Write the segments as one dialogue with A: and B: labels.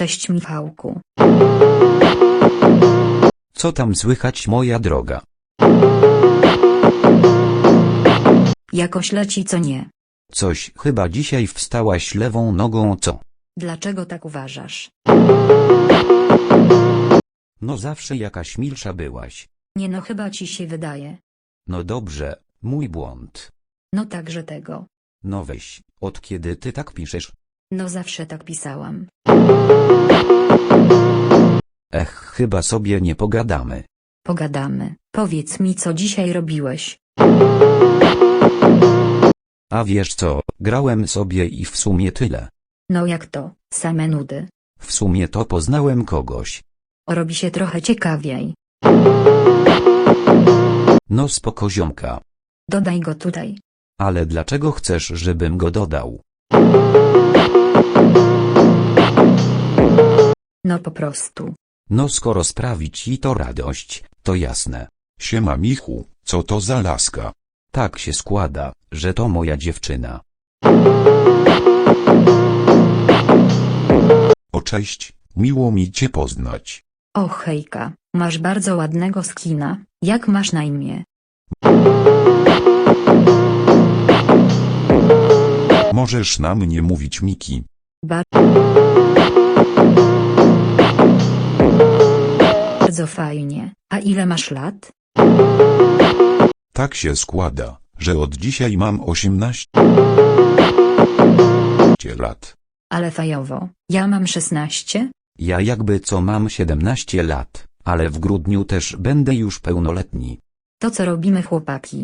A: Cześć Michałku.
B: Co tam słychać, moja droga?
A: Jakoś leci, co nie?
B: Coś chyba dzisiaj wstałaś lewą nogą, co?
A: Dlaczego tak uważasz?
B: No zawsze jakaś milsza byłaś.
A: Nie no, chyba ci się wydaje.
B: No dobrze, mój błąd.
A: No także tego.
B: No weź, od kiedy ty tak piszesz?
A: No zawsze tak pisałam.
B: Chyba sobie nie pogadamy.
A: Pogadamy. Powiedz mi, co dzisiaj robiłeś.
B: A wiesz co, grałem sobie i w sumie tyle.
A: No jak to, same nudy.
B: W sumie to poznałem kogoś.
A: Robi się trochę ciekawiej.
B: No spoko ziomka.
A: Dodaj go tutaj.
B: Ale dlaczego chcesz, żebym go dodał?
A: No po prostu.
B: No skoro sprawi ci to radość, to jasne.
C: Siema Michu, co to za laska?
B: Tak się składa, że to moja dziewczyna.
C: O cześć, miło mi cię poznać.
A: O hejka, masz bardzo ładnego skina. Jak masz na imię?
C: Możesz na mnie mówić Miki.
A: Bardzo fajnie. A ile masz lat?
C: Tak się składa, że od dzisiaj mam 18 lat.
A: Ale fajowo. Ja mam 16?
B: Ja jakby co mam 17 lat, ale w grudniu też będę już pełnoletni.
A: To co robimy, chłopaki?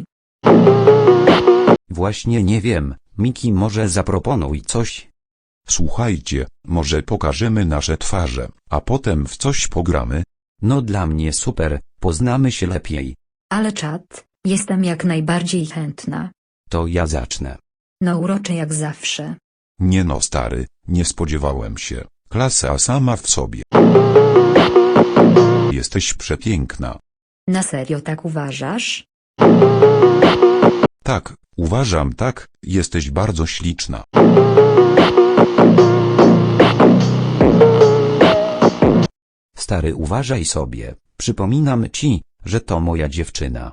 B: Właśnie nie wiem, Miki, może zaproponuj coś?
C: Słuchajcie, może pokażemy nasze twarze, a potem w coś pogramy?
B: No dla mnie super, poznamy się lepiej.
A: Ale czad, jestem jak najbardziej chętna.
B: To ja zacznę.
A: No urocze jak zawsze.
C: Nie no stary, nie spodziewałem się. Klasa sama w sobie. Jesteś przepiękna.
A: Na serio tak uważasz?
C: Tak, uważam tak, jesteś bardzo śliczna.
B: Stary, uważaj sobie, przypominam ci, że to moja dziewczyna.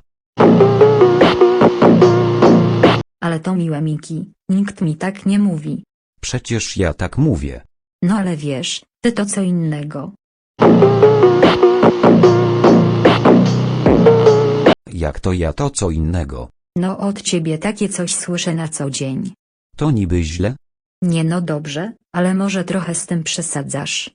A: Ale to miłe Miki, nikt mi tak nie mówi.
B: Przecież ja tak mówię.
A: No ale wiesz, ty to co innego.
B: Jak to ja to co innego?
A: No od ciebie takie coś słyszę na co dzień.
B: To niby źle?
A: Nie no dobrze, ale może trochę z tym przesadzasz.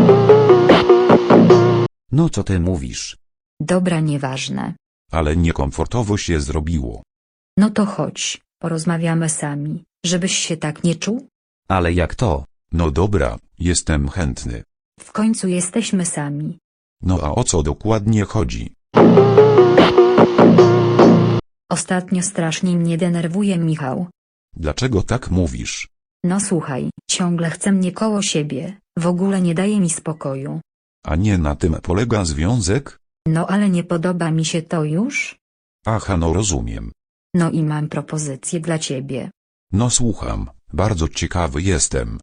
B: No co ty mówisz?
A: Dobra, nieważne.
C: Ale niekomfortowo się zrobiło.
A: No to chodź, porozmawiamy sami, żebyś się tak nie czuł.
B: Ale jak to?
C: No dobra, jestem chętny.
A: W końcu jesteśmy sami.
C: No a o co dokładnie chodzi?
A: Ostatnio strasznie mnie denerwuje Michał.
C: Dlaczego tak mówisz?
A: No słuchaj, ciągle chce mnie koło siebie, w ogóle nie daje mi spokoju.
C: A nie na tym polega związek?
A: No ale nie podoba mi się to już?
C: Aha, no rozumiem.
A: No i mam propozycję dla ciebie.
C: No słucham, bardzo ciekawy jestem.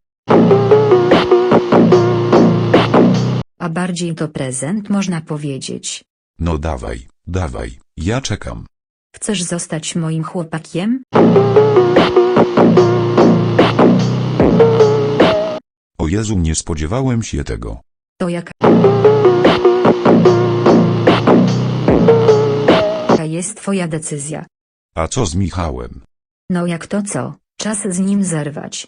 A: A bardziej to prezent można powiedzieć.
C: No dawaj, dawaj, ja czekam.
A: Chcesz zostać moim chłopakiem?
C: O Jezu, nie spodziewałem się tego.
A: To jaka jest twoja decyzja?
C: A co z Michałem?
A: No jak to co? Czas z nim zerwać.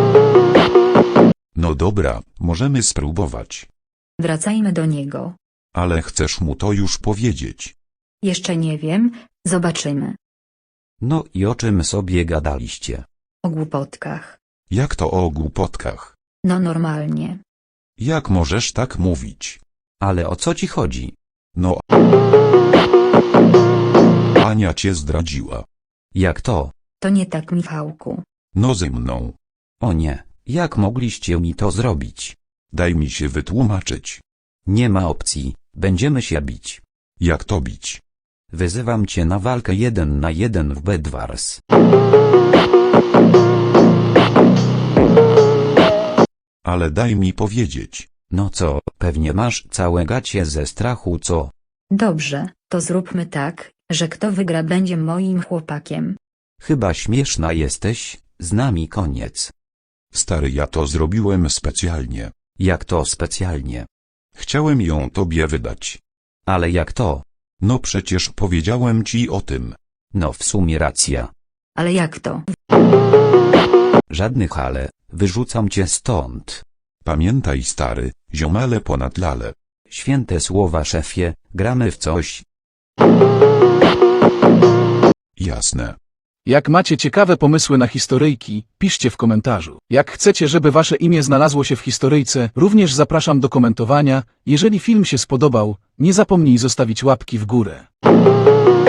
C: No dobra, możemy spróbować.
A: Wracajmy do niego.
C: Ale chcesz mu to już powiedzieć?
A: Jeszcze nie wiem, zobaczymy.
B: No i o czym sobie gadaliście?
A: O głupotkach.
C: Jak to o głupotkach?
A: No normalnie.
C: Jak możesz tak mówić?
B: Ale o co ci chodzi?
C: No. Ania cię zdradziła.
B: Jak to?
A: To nie tak, Michałku.
C: No ze mną.
B: O nie, jak mogliście mi to zrobić?
C: Daj mi się wytłumaczyć.
B: Nie ma opcji, będziemy się bić.
C: Jak to bić?
B: Wyzywam cię na walkę 1 na 1 w Bedwars.
C: Ale daj mi powiedzieć.
B: No co, pewnie masz całe gacie ze strachu, co?
A: Dobrze, to zróbmy tak, że kto wygra będzie moim chłopakiem.
B: Chyba śmieszna jesteś, z nami koniec.
C: Stary, ja to zrobiłem specjalnie.
B: Jak to specjalnie?
C: Chciałem ją tobie wydać.
B: Ale jak to?
C: No przecież powiedziałem ci o tym.
B: No w sumie racja.
A: Ale jak to?
B: Żadnych ale, wyrzucam cię stąd.
C: Pamiętaj, stary, ziomale ponad lale.
B: Święte słowa, szefie, gramy w coś.
C: Jasne.
D: Jak macie ciekawe pomysły na historyjki, piszcie w komentarzu. Jak chcecie, żeby wasze imię znalazło się w historyjce, również zapraszam do komentowania. Jeżeli film się spodobał, nie zapomnij zostawić łapki w górę.